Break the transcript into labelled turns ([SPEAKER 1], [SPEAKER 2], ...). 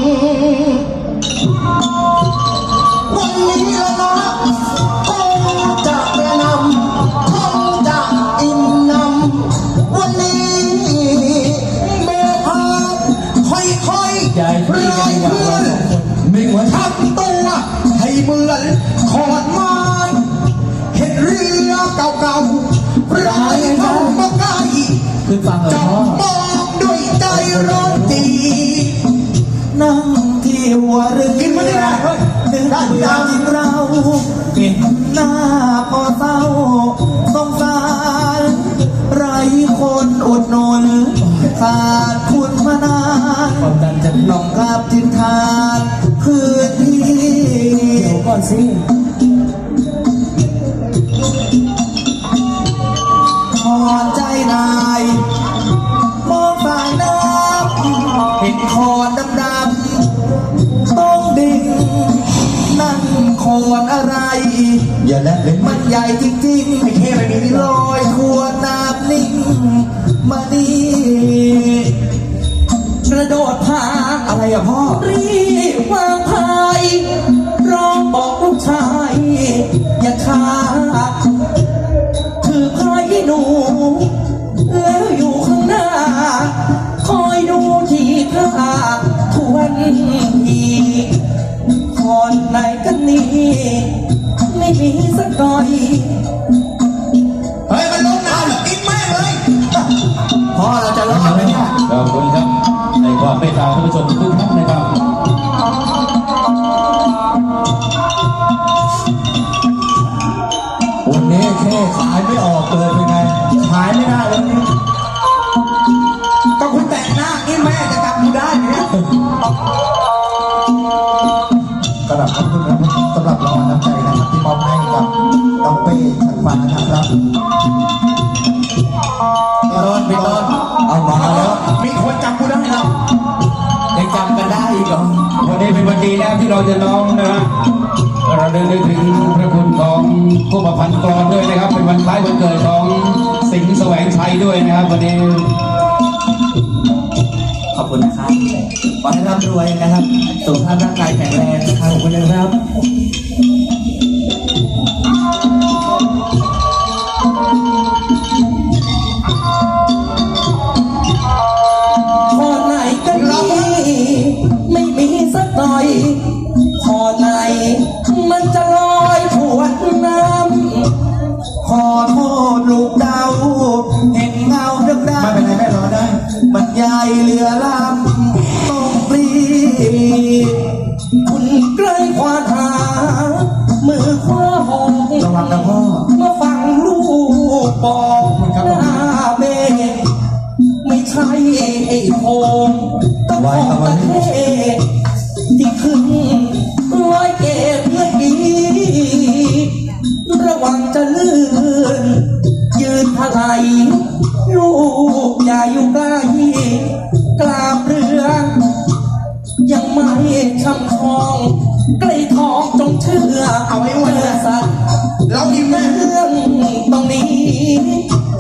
[SPEAKER 1] วันนี้ละนะคงจะกระนำคงจะอิ่มนำวันนี้เมื่อพาค่อยๆรอยเพื่อนไม่ว่าทำตัวให้เหมือนขอนไม้เห็นเรือเก่าๆร้ายเข้ามาใกล้
[SPEAKER 2] คือฟังเหรอพ่อ
[SPEAKER 1] มองด้วยใจร้อนจีนั่งที่หัวเรือกินมาได้นึกอย่างเราเห็นหน้าพอเศร้าสงสารไรคนอดนนขาดคุณมานานน้องกลับทิ้งทานคืนที่
[SPEAKER 2] เดี๋ยวก่อนสิ
[SPEAKER 1] พอใจนายมองสายน้ำเห็นคอนดำๆต้องดิ่งนั่นคอนอะไรอย่าแลเลยมันใหญ่จริงๆไม่แค่ไม่มีลอยทั่วน้ำนิ่งมาดีกระโดดพาอะไรอะพ่อรีบวางพายร้องบอกลูกชายอย่าช้าถือพายหนูแล้วอยู่ข้างหน้าคอยดูที่ท่าทวนทีคนไหนกันนี่ไม่มีสักหน่อยเฮ้ยมันลงน้ำแล้วกินแม่เลยพ่อเราจะรอดไหมเนี่ย
[SPEAKER 3] ขอบคุณครับในความเมตตาท่านผู้ชมทุกท่านนะครับ
[SPEAKER 1] วันนี้แค่ขายไม่ออกเลยเป็นไงขายไม่ได้แล้วนี่ก็คุณแต่งหน้านี่แม่จะจำคุณได้ไหมเนี่ยกระดับขอบคุณครับสำหรับรางวัลน้ำใจนะครับที่มอบให้กับน้องเป้ชันฟ้านะครับพี่ต้นเอามาแล้วมีคนจำกูได้แล้วยังจำกันได้อีกเหรอ
[SPEAKER 3] วันนี้เป็นวันดีนะที่เราจะร้องนะฮะเราเดินถึงพระคุณของผู้ประพันธ์กลอนด้วยนะครับเป็นวันคล้ายวันเกิดของสิงห์แสวงชัยด้วยนะครับวันนี้
[SPEAKER 1] ขอบคุณนะครับขอให้ร่ำรวยนะครับสุขภาพร่างกายแข็งแรงนะครับขอบคุณนะครับคนไหนกันนี่ไม่มีสักหน่อยพอไหนมันจะลอยถวนน้ำขอโทษลูกดาวเห็นเงาดำๆไม่เป็นไรแม่รอได้มันใหญ่เหลือลำต้องปลีคุณใกล้ควานหามือคว้าหองระวังนะพ่อมาฟังลูกบอกหน้าเมฆไม่ใช่ไอ้โคงตะโกนตะเทที่ขึ้นร้อยเกศเมื่อกี้ระวังจะลื่นยืนถลายลูกอย่าอยู่ใกล้กราบเรือยังไม่ช่ำทองใกล้ทองจงเชื่อเอาไว้วันสัตว์เราอิ่มเรื่องตรงนี้